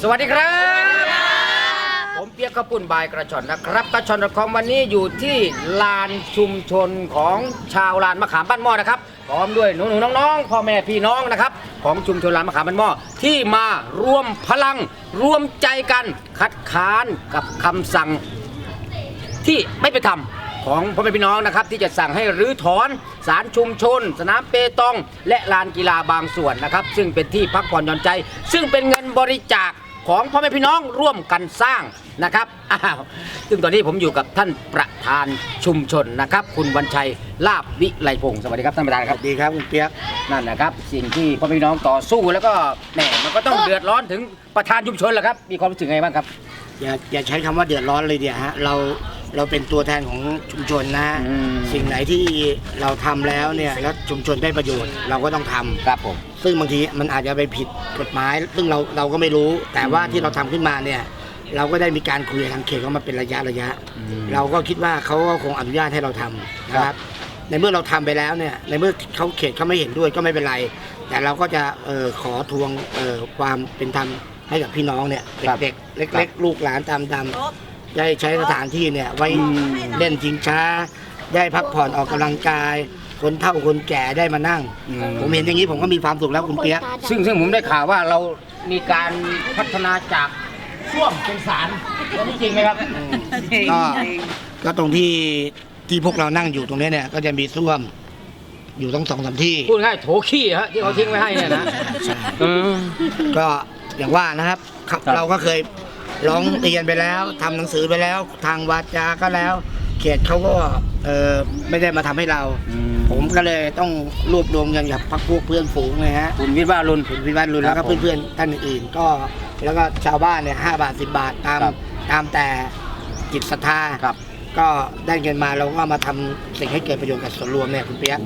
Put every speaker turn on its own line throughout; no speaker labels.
สวัสดีครับผมเปียกข้าวปุ้นบายกระชอนนะครับกระชอนของวันนี้อยู่ที่ลานชุมชนของชาวลานมะขามบ้านหม้อนะครับพร้อมด้วยหนูๆน้องๆพ่อแม่พี่น้องนะครับของชุมชนลานมะขามบ้านหม้อที่มารวมพลังรวมใจกันคัดค้านกับคำสั่งที่ไม่เป็นธรรมของพ่อแม่พี่น้องนะครับที่จะสั่งให้รื้อถอนศาลชุมชนสนามเปตองและลานกีฬาบางส่วนนะครับซึ่งเป็นที่พักผ่อนหย่อนใจซึ่งเป็นเงินบริจาคของพ่อแม่พี่น้องร่วมกันสร้างนะครับซึ่งตอนนี้ผมอยู่กับท่านประธานชุมชนนะครับคุณวันชัยลาภวิไลพงศ์สวัสดีครับท่านประธานครับ
ดีครับคุณเปียก
นั่นนะครับสิ่งที่พ่อแม่พี่น้องต่อสู้แล้วก็แหมมันก็ต้องเดือดร้อนถึงประธานชุมชนแหละครับมีความรู้สึกไงบ้างครับ
อย่าใช้คำว่าเดือดร้อนเลยเดียวฮะเราเป็นตัวแทนของชุมชนนะสิ่งไหนที่เราทำแล้วเนี่ยแล้วชุมชนได้ประโยชน์เราก็ต้องทำ
ครับผม
ซึ่งบางทีมันอาจจะไปผิดกฎหมายซึ่งเราก็ไม่รู้แต่ว่าที่เราทำขึ้นมาเนี่ยเราก็ได้มีการคุยกับทางเขตเขามาเป็นระยะเราก็คิดว่าเขาก็คงอนุญาตให้เราทำนะครับในเมื่อเราทำไปแล้วเนี่ยในเมื่อเขาเขตเขาไม่เห็นด้วยก็ไม่เป็นไรแต่เราก็จะขอทวงความเป็นธรรมให้กับพี่น้องเนี่ยเด็กๆเล็กๆลูกหลานตามได้ใช้สถานที่เนี่ยไว้เล่นชิงช้าได้พักผ่อนออกกำลังกายคนเฒ่าคนแก่ได้มานั่งผมเห็นอย่างนี้ผมก็มีความสุขแล้วคุณเปียก
ซึ่งผมได้ข่าวว่าเรามีการพัฒนาจากส้วมเป็นศาลนี่จริงไหมครับ
ก็ตรงที่พวกเรานั่งอยู่ตรงนี้เนี่ยก็จะมีส้วมอยู่ต้อง2-3ที่
พูดง่ายโถขี้ฮะที่เขาทิ้งไว้ให้เนี่ยนะ
ก็อย่างว่านะครับเราก็เคยร้องเรียนไปแล้วทำหนังสือไปแล้วทางวาจาก็แล้วเขตเขาก็ไม่ได้มาทำให้เราผมก็เลยต้องรวบรวมเงินกับพรรคพวกเพื่อนฝูงเลยฮะ
คุณวิวัฒน์รุน
แล้วก็เพื่อนๆท่านอื่นๆก็แล้วก็ชาวบ้านเนี่ย5 บาท 10 บาทตามแต่จิตศรัทธาก็ได้เงินมาเราก็มาทำสิ่งให้เกิดประโยชน์กับส่วนรวมเนี่ยคุณเปียก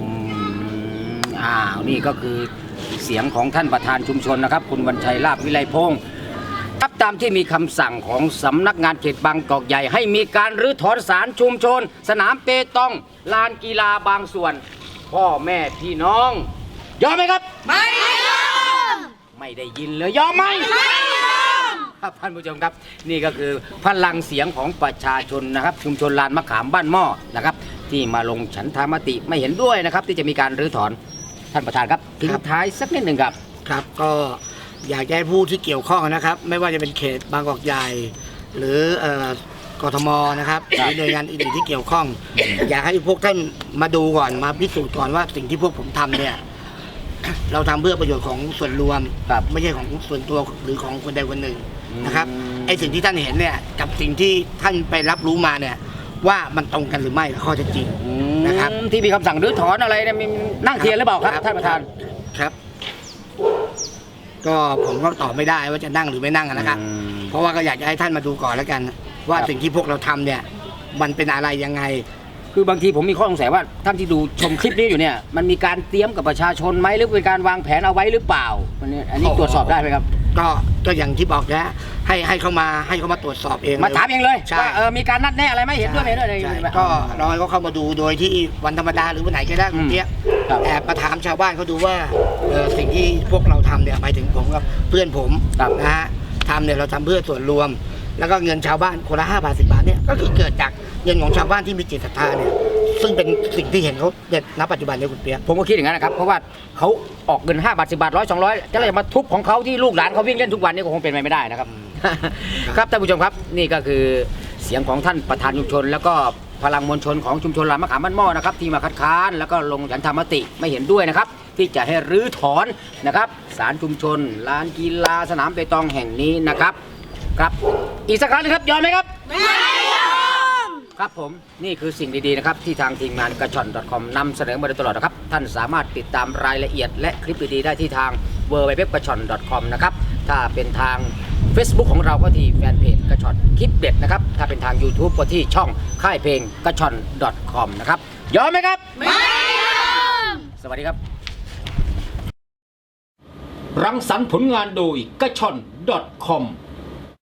นี่ก็คือเสียงของท่านประธานชุมชนนะครับคุณวันชัยลาภวิไลพงศ์ครับตามที่มีคำสั่งของสำนักงานเขตบางกอกใหญ่ให้มีการรื้อถอนศาลชุมชนสนามเปตองลานกีฬาบางส่วนพ่อแม่พี่น้องยอมไหมครับ
ไม่ยอม
ไม่ได้ยินเลยยอมไหม
ไม่ยอม
ครับท่านผู้ชมครับนี่ก็คือพลังเสียงของประชาชนนะครับชุมชนลานมะขามบ้านหม้อนะครับที่มาลงฉันทามติไม่เห็นด้วยนะครับที่จะมีการรื้อถอนท่านประธานครับทิ้งท้ายสักนิดหนึ่งครับ
ก็อยากให้ผู้ที่เกี่ยวข้องนะครับไม่ว่าจะเป็นเขตบางกอกใหญ่หรือกทมนะครับหรือหน่วยงานอื่นที่เกี่ยวข้องอยากให้พวกท่านมาดูก่อนมาพิสูจน์ก่อนว่าสิ่งที่พวกผมทำเนี่ยเราทำเพื่อประโยชน์ของส่วนรวมไม่ใช่ของส่วนตัวหรือของคนใดคนหนึ่งนะครับไอ้สิ่งที่ท่านเห็นเนี่ยกับสิ่งที่ท่านไปรับรู้มาเนี่ยว่ามันตรงกันหรือไม่ข้อเท็จจริงนะครับ
ที่มีคำสั่งรื้อถอนอะไรเนี่ยมีนั่งเทียนหรือเปล่าครับท่านประธาน
ครับก็ผมก็ตอบไม่ได้ว่าจะนั่งหรือไม่นั่งนะครับเพราะว่าก็อยากจะให้ท่านมาดูก่อนแล้วกันว่าสิ่งที่พวกเราทำเนี่ยมันเป็นอะไรยังไง
คือบางทีผมมีข้อสงสัยว่าท่านที่ดูชมคลิปนี้อยู่เนี่ยมันมีการเตรียมกับประชาชนไหมหรือเป็นการวางแผนเอาไว้หรือเปล่าอันนี้ตรวจสอบได้ไหมครับ
ก็อย่างที่บอกนะให้เขามาตรวจสอบเอง
มาถามเองเลยว่ามีการนัดแนะอะไรไหมเห็นด้วยไหมด้วย
ก็รอให้เขาเข้ามาดูโดยที่วันธรรมดาหรือวันไหนก็ได้เนี้ยแอบมาถามชาวบ้านเขาดูว่าสิ่งที่พวกเราทำเนี่ยหมายถึงผมกับเพื่อนผมนะฮะทำเนี่ยเราทำเพื่อส่วนรวมแล้วก็เงินชาวบ้านคนละ5 บาท 10 บาทเนี่ยก็คือเกิดจากเงินของชาวบ้านที่มีจิตศรัทธาเนี่ยซึ่งเป็นสิ่งที่เห็นเขาเด็ดณปัจจุบันเนี่ยคุณเปียก
ผมก็คิดอย่างนั้นนะครับเพราะว่าเขาออกเงิน5 บาท 10 บาท 100 200จะเลยมาทุบของเขาที่ลูกหลานเขาวิ่งเล่นทุกวันนี่ก็คงเป็นไปไม่ได้นะครับครับท่านผู้ชมครับนี่ก็คือเสียงของท่านประธานชุมชนแล้วก็พลังมวลชนของชุมชนลานมะขามบ้านหม้อนะครับที่มาคัดค้านแล้วก็ลงฉันทามติไม่เห็นด้วยนะครับที่จะให้รื้อถอนนะครับศาลชุมชนลานกีฬาสนามเปตองแห่งนี้นะครับครับอีกสักครั้งนึงครับยอมไหมครับ
ไม่ยอม
ครับผมนี่คือสิ่งดีๆนะครับที่ทางทีมงานกระชอน .com นำเสนอมาโดยตลอดนะครับท่านสามารถติดตามรายละเอียดและคลิปดีๆได้ที่ทาง www.gachon.com นะครับถ้าเป็นทาง Facebook ของเราก็ที่แฟนเพจกระชอนคลิปเด็ดนะครับถ้าเป็นทาง YouTube ก็ที่ช่องค่ายเพลงกระชอน .com นะครับยอมไหมครับ
ไม่ยอม
สวัสดีครับรังสรรค์ผลงานโดยกระชอน .com